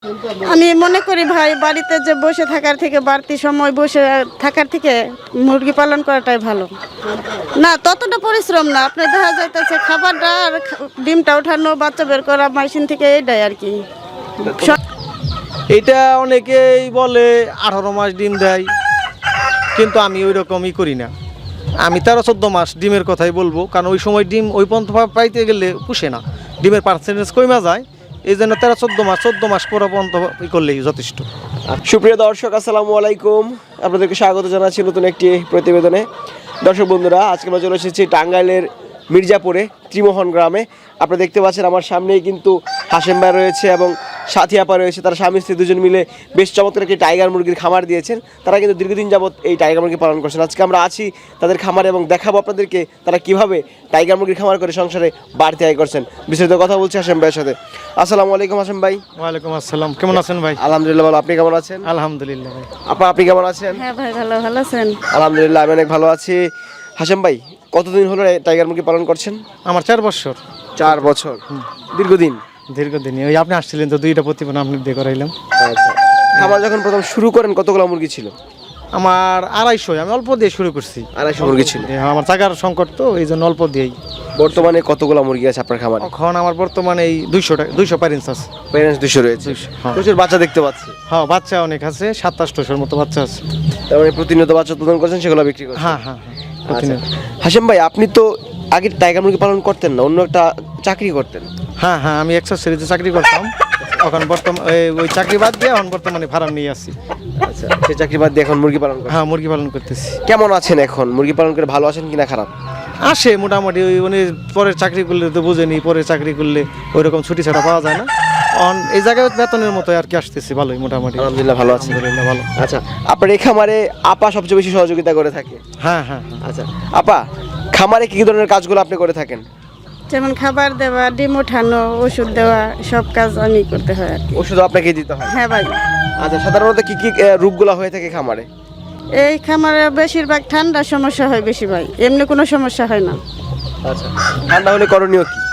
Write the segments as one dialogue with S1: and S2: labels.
S1: আমি মনে করি ভাই বাড়িতে যে বসে থাকার থেকে বাড়তি সময় বসে থাকার থেকে মুরগি পালন করাটাই ভালো। না ততটা পরিশ্রম না, আপনি দেখা যাইতেছে খাবারটা আর ডিমটা ওঠানো বাচ্চা বের করা মেশিন থেকে এইটাই আর কি।
S2: এটা অনেকেই বলে 18 মাস ডিম দেয়, কিন্তু আমি ওই রকমই করি না। আমি 13-14 মাস ডিমের কথাই বলবো, কারণ ওই সময় ডিম ওই পর্যন্ত পাইতে গেলে পুষে না, ডিমের পার্সেন্টেজ কমে যায়। এই জন্য 13-14 মাস পর পর্যন্ত করলেই যথেষ্ট।
S3: সুপ্রিয় দর্শক, আসসালামু আলাইকুম। আপনাদেরকে স্বাগত জানাচ্ছি নতুন একটি প্রতিবেদনে। দর্শক বন্ধুরা, আজকে আমরা চলে এসেছি টাঙ্গাইলের মির্জাপুরে ত্রিমোহন গ্রামে। আপনারা দেখতে পাচ্ছেন আমার সামনেই কিন্তু হাশেম ভাই রয়েছে এবং সাথী আপা রয়েছে। তারা স্বামী স্ত্রী দুজন মিলে বেশ চমৎকার একটি টাইগার মুরগির খামার দিয়েছেন। তারা কিন্তু দীর্ঘদিন যাবৎ এই টাইগার মুরগি পালন করছেন। আজকে আমরা আছি তাদের খামারে এবং দেখাবো আপনাদেরকে তারা কিভাবে টাইগার মুরগির খামার করে সংসারে বাড়তি আয় করছেন। বিস্তারিত কথা বলছি হাশেম ভাইয়ের সাথে। আসসালামু আলাইকুম হাশেম ভাই।
S2: ওয়ালাইকুম আসসালাম, কেমন আছেন ভাই?
S3: আলহামদুলিল্লাহ ভালো, আপনি কেমন আছেন?
S2: আলহামদুলিল্লাহ ভাই।
S3: আপা, আপনি কেমন আছেন?
S1: হ্যাঁ ভাই, ভালো ভালো আছেন?
S3: আলহামদুলিল্লাহ, আমি অনেক ভালো আছি। হাশেম ভাই, কতদিন হলো টাইগার মুরগি পালন করছেন?
S2: আমার 4 বছর।
S3: 4 বছর, দীর্ঘদিন।
S2: দীর্ঘদিনই। ওই আপনি আসছিলেন তো, 2টা প্রতিবেদন আপনি দিয়ে করাইলাম।
S3: আচ্ছা, খামার যখন প্রথম শুরু করেন কতগুলো মুরগি ছিল?
S2: আমার 250, আমি অল্প দিয়ে শুরু করছি।
S3: 250 মুরগি ছিল।
S2: আমার জায়গার সংকট তো, এই জন্য অল্প দিয়েই।
S3: বর্তমানে কতগুলো মুরগি আছে আপনার খামারে?
S2: এখন আমার বর্তমানে এই 200 প্যারেন্টস আছে।
S3: প্যারেন্টস 200 রয়েছে।
S2: 200, হ্যাঁ।
S3: প্রচুর বাচ্চা দেখতে পাচ্ছি।
S2: হ্যাঁ, বাচ্চা অনেক আছে, 2700-র মতো বাচ্চা আছে।
S3: তার মানে প্রতিনিয়ত বাচ্চা উৎপাদন করছেন, সেগুলো বিক্রি করছেন?
S2: হ্যাঁ হ্যাঁ হ্যাঁ, প্রতিনিয়ত।
S3: হাশেম ভাই, আপনি তো আগে টাইগার মুরগি পালন করতেন না, অন্য একটা চাকরি করতেন?
S2: হ্যাঁ হ্যাঁ, আমি এক্সার সিরিজে চাকরি করতাম। এখন ওই চাকরি বাদ দিয়ে এখন বর্তমানে ফার্ম নিয়ে আসি।
S3: আচ্ছা, সেই চাকরি বাদ দিয়ে এখন মুরগি পালন করেন?
S2: হ্যাঁ, মুরগি পালন করতেছি।
S3: কেমন আছেন এখন? মুরগি পালন করে ভালো আছেন কিনা খারাপ?
S2: আসে মোটামুটি। ওই উনি পরের চাকরি করলে তো বুঝেনি, পরের চাকরি করলে ওই রকম ছুটি ছাড়া পাওয়া যায় না। এই জায়গায় বেতনের মতো আর কি আসতেছি, ভালোই মোটামুটি।
S3: আলহামদুলিল্লাহ ভালো আছি।
S2: আলহামদুলিল্লাহ ভালো।
S3: আচ্ছা, আপনার এই খামারে আপা সবচেয়ে বেশি সহযোগিতা করে থাকে?
S2: হ্যাঁ হ্যাঁ হ্যাঁ।
S3: আচ্ছা আপা, খামারে কি কি ধরনের কাজগুলো আপনি করে থাকেন?
S1: যেমন খাবার দেওয়া, ডিম ওঠানো, ওষুধ দেওয়া, সব কাজ আমি করতে হয় আর কি।
S3: ওষুধ আপনাকে দিতে হয়?
S1: হ্যাঁ ভাই।
S3: আচ্ছা, সাধারণত কি কি রোগগুলো হয়ে থাকে খামারে?
S1: এই খামারে বেশিরভাগ ঠান্ডার সমস্যা হয় বেশি ভাই, এমনি কোনো সমস্যা হয় না।
S3: আচ্ছা, ঠান্ডা হলে করণীয় কি?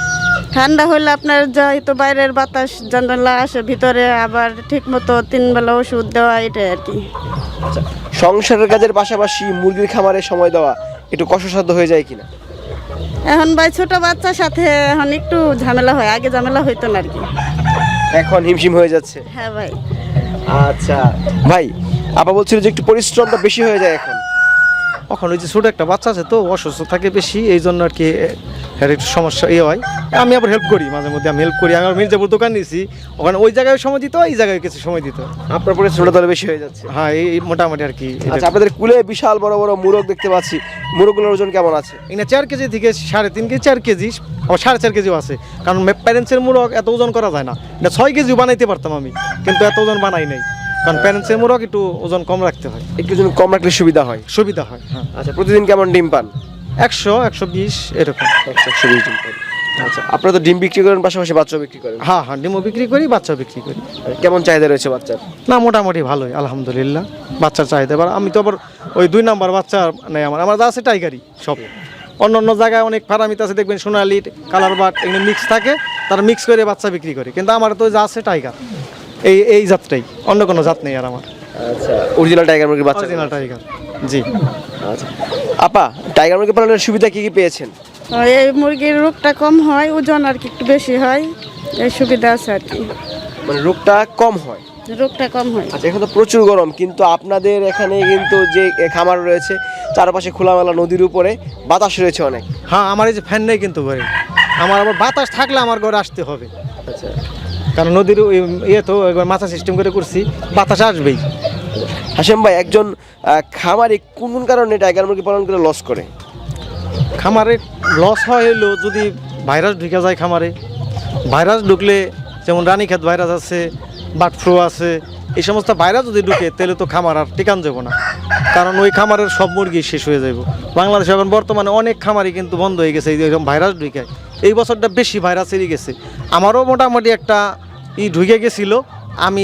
S1: ঠান্ডা হলে আপনার যেহেতু বাইরের বাতাস জানালা আসে ভিতরে, আবার ঠিক মতো 3 বেলা ওষুধ দেওয়া, এটাই আর কি।
S3: আচ্ছা, সংসারের কাজের পাশাপাশি মুরগির খামারে সময় দেওয়া একটু কষ্টসাধ্য হয়ে যায় কিনা?
S1: এখন ভাই ছোট বাচ্চার সাথে এখন একটু ঝামেলা হয়, আগে ঝামেলা হইতো না আর কি।
S3: এখন হিমশিম হয়ে যাচ্ছে?
S1: হ্যাঁ ভাই।
S3: আচ্ছা ভাই, আপা বলছিল যে একটু পরিশ্রমটা বেশি হয়ে যায় এখন।
S2: এখন ওই যে ছোটো একটা বাচ্চা আছে তো, অসুস্থ থাকে বেশি, এই জন্য আর কি একটু সমস্যা হয়। আমি আবার হেল্প করি, মাঝে মধ্যে আমি হেল্প করি। আমি মির্জাপুর দোকান নিয়েছি, ওখানে ওই জায়গায় সময় দিত, এই জায়গায় কিছু সময় দিত।
S3: আপনার পরিশ্রমটা তাহলে বেশি হয়ে যাচ্ছে?
S2: হ্যাঁ, এই মোটামুটি আর কি।
S3: আচ্ছা, আপনাদের কুলে বিশাল বড় বড় মুরগ দেখতে পাচ্ছি, মুরগগুলোর ওজন কেমন আছে?
S2: এখানে 4 কেজি থেকে 3.5 কেজি, 4 কেজি, আবার 4.5 কেজিও আছে। কারণ প্যারেন্টসের মুরগ এত ওজন করা যায় না। এটা 6 কেজিও বানাইতে পারতাম আমি, কিন্তু এত ওজন বানাই নাই, কারণ প্যারেন্টসের মুরগ একটু ওজন কম রাখতে হয়।
S3: একটু ওজন কম রাখলে সুবিধা হয়?
S2: সুবিধা হয়, হ্যাঁ।
S3: আচ্ছা, প্রতিদিন কেমন ডিম পান?
S2: 100-120 এরকম।
S3: 120 ডিম পান। আচ্ছা, আপনারা তো ডিম বিক্রি করেন, পাশাপাশি বাচ্চাও বিক্রি করেন?
S2: হ্যাঁ হ্যাঁ, ডিমও বিক্রি করি, বাচ্চাও বিক্রি করি।
S3: কেমন চাহিদা রয়েছে বাচ্চার?
S2: না, মোটামুটি ভালোই আলহামদুলিল্লাহ, বাচ্চার চাহিদা। এবার আমি তো আবার ওই 2 নাম্বার বাচ্চা নেই, আমার যা আছে টাইগারই সব। অন্য অন্য জায়গায় অনেক ফার্মিতে আছে, দেখবেন সোনালি, কালার বাট, এগুলো মিক্স থাকে, তারা মিক্স করে বাচ্চা বিক্রি করে। কিন্তু আমার তো যা আছে টাইগার, এই জাতটাই, অন্য কোনো জাত নেই আর আমার।
S3: আচ্ছা, অরিজিনাল টাইগার মুরগির বাচ্চা?
S2: অরিজিনাল টাইগার, জি।
S3: আচ্ছা আপা, টাইগার মুরগি পালনের সুবিধা কি কি পেয়েছেন?
S1: এই মুরগির রোগটা কম হয়, ওজন আর কি একটু বেশি হয়, এই সুবিধা আছে আর কি।
S3: মানে রোগটা কম হয়?
S1: রোগটা কম হয়।
S3: আচ্ছা, এখন তো প্রচুর গরম, কিন্তু আপনাদের এখানে কিন্তু যে খামার রয়েছে চারপাশে খোলামেলা, নদীর উপরে বাতাস রয়েছে অনেক।
S2: হ্যাঁ, আমার এই যে ফ্যান নেই কিন্তু ঘরে, আমার আবার বাতাস থাকলে আমার ঘরে আসতে হবে।
S3: আচ্ছা,
S2: কারণ নদীর তো একবার মাথা সিস্টেম করে করছি, বাতাস আসবেই।
S3: হাশেম ভাই, একজন খামারে কোন কোন কারণে টাইগার মুরগি পালন করে লস করে?
S2: খামারে লস হয় হলো যদি ভাইরাস ঢুকে যায় খামারে। ভাইরাস ঢুকলে, যেমন রানীক্ষেত ভাইরাস আছে, বার্ড ফ্লু আছে, এই সমস্ত ভাইরাস যদি ঢুকে তাহলে তো খামার আর টিকান যাব না, কারণ ওই খামারের সব মুরগি শেষ হয়ে যাব। বাংলাদেশে এখন বর্তমানে অনেক খামারই কিন্তু বন্ধ হয়ে গেছে এরকম ভাইরাস ঢুকে। এই বছরটা বেশি ভাইরাস এড়ে গেছে। আমারও মোটামুটি একটা ঢুকে গেছিলো, আমি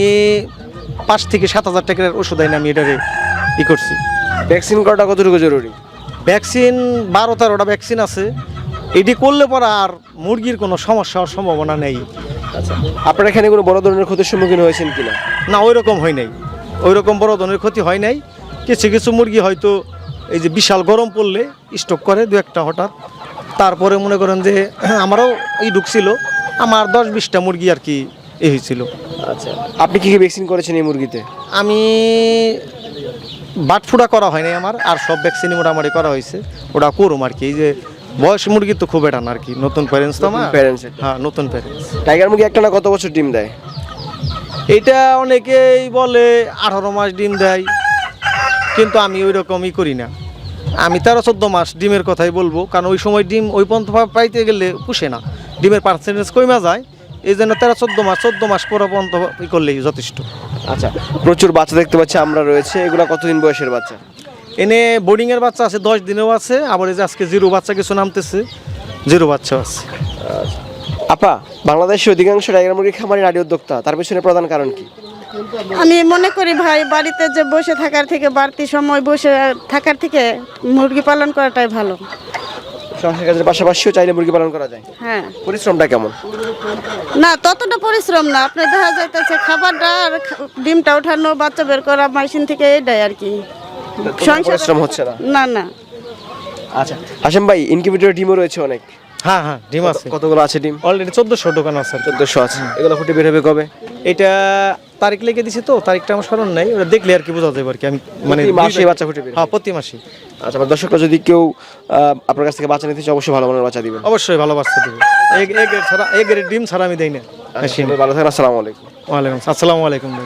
S2: 5 থেকে 7,000 টাকার ওষুধ আইনি আমি এটারে করছি।
S3: ভ্যাকসিন করাটা কতটুকু জরুরি?
S2: ভ্যাকসিন 12-13টা ভ্যাকসিন আছে, এটি করলে পরে আর মুরগির কোনো সমস্যা হওয়ার সম্ভাবনা নেই।
S3: আচ্ছা, আপনারা এখানে কোনো বড় ধরনের ক্ষতির সম্মুখীন হয়েছেন কিনা?
S2: না, ওই রকম হয় নাই, ওই রকম বড় ধরনের ক্ষতি হয় নাই। কিছু কিছু মুরগি হয়তো এই যে বিশাল গরম পড়লে স্টক করে দু একটা হঠাৎ। তারপরে মনে করেন যে আমারও ঢুকছিল, আমার 10-20টা মুরগি আর কি হয়েছিল।
S3: আচ্ছা, আপনি কি কি ভ্যাকসিন করেছেন এই মুরগিতে?
S2: আমি বাট ফুটা করা হয়নি আমার, আর সব ভ্যাকসিনই মোটামুটি করা হয়েছে। ওটা করুম আর কি। এই যে বয়স মুরগি তো খুব এটা না আর কি, নতুন প্যারেন্টস তো আমার।
S3: প্যারেন্টস?
S2: হ্যাঁ, নতুন প্যারেন্টস।
S3: টাইগার মুরগি একটা না কত বছর ডিম দেয়?
S2: এটা অনেকেই বলে 18 মাস ডিম দেয়, কিন্তু আমি ওই রকমই করি না। আমি 13-14 মাস ডিমের কথাই বলবো, কারণ ওই সময় ডিম ওই পর্যন্ত পাইতে গেলে পুষে না, ডিমের পার্সেন্টেজ কমে যায়। এই জন্য 13-14 মাস পরে পর্যন্ত ই করলেই যথেষ্ট।
S3: আচ্ছা, প্রচুর বাচ্চা দেখতে পাচ্ছি আমরা রয়েছে, এগুলো কতদিন বয়সের বাচ্চা?
S2: এনে বোর্ডিংয়ের বাচ্চা আছে 10 দিনেও আছে, আবার এই যে আজকে জিরো বাচ্চা কিছু নামতেছে, জিরো বাচ্চা আছে।
S3: আপা, বাংলাদেশের অধিকাংশ টাইগার মুরগি খামারি নারী উদ্যোক্তা, তার পিছনে প্রধান কারণ কি?
S1: আমি মনে করি ভাই, বাড়িতে যে বসে থাকার থেকে বাড়তি সময় বসে থাকার থেকে মুরগি পালন করাটাই ভালো।
S3: সংসার কাজের পাশাপাশিও চাইলে মুরগি পালন করা যায়।
S1: হ্যাঁ,
S3: পরিশ্রমটা কেমন?
S1: না ততটা পরিশ্রম না। আপনি দেখা যাইতেছে খাবারটা আর ডিমটা ওঠানো, বাচ্চা বের করা মেশিন থেকে, এটাই আর কি।
S3: পরিশ্রম হচ্ছে না?
S1: না না।
S3: আচ্ছা হাশেম ভাই, ইনকিউবেটর ডিমও রয়েছে অনেক।
S2: হ্যাঁ হ্যাঁ, ডিম আছে।
S3: কতগুলো আছে ডিম?
S2: অলরেডি 1400 দোকান আছে।
S3: 1400 আছে। এগুলো ফুটে বের হবে কবে?
S2: এটা তারিখ লিখে দিছি তো, তারিখটা আমার স্মরণ নাই, ওটা দেখলে আর কি বোঝা যাবে আর কি। আমি মানে
S3: প্রতি মাসে বাচ্চা ফুটে বের?
S2: হ্যাঁ, প্রতি মাসে।
S3: আচ্ছা, আমার দর্শকরা যদি কেউ আপনার কাছ থেকে বাচ্চা নিতে চায়, অবশ্যই ভালো মানের বাচ্চা দিবেন।
S2: অবশ্যই ভালো বাচ্চা দেবে। এগের ডিম ছাড়া আমি দেই না।
S3: ভালো থাকেন, আসসালামু আলাইকুম।
S2: ওয়ালাইকুম আসসালামু আলাইকুম।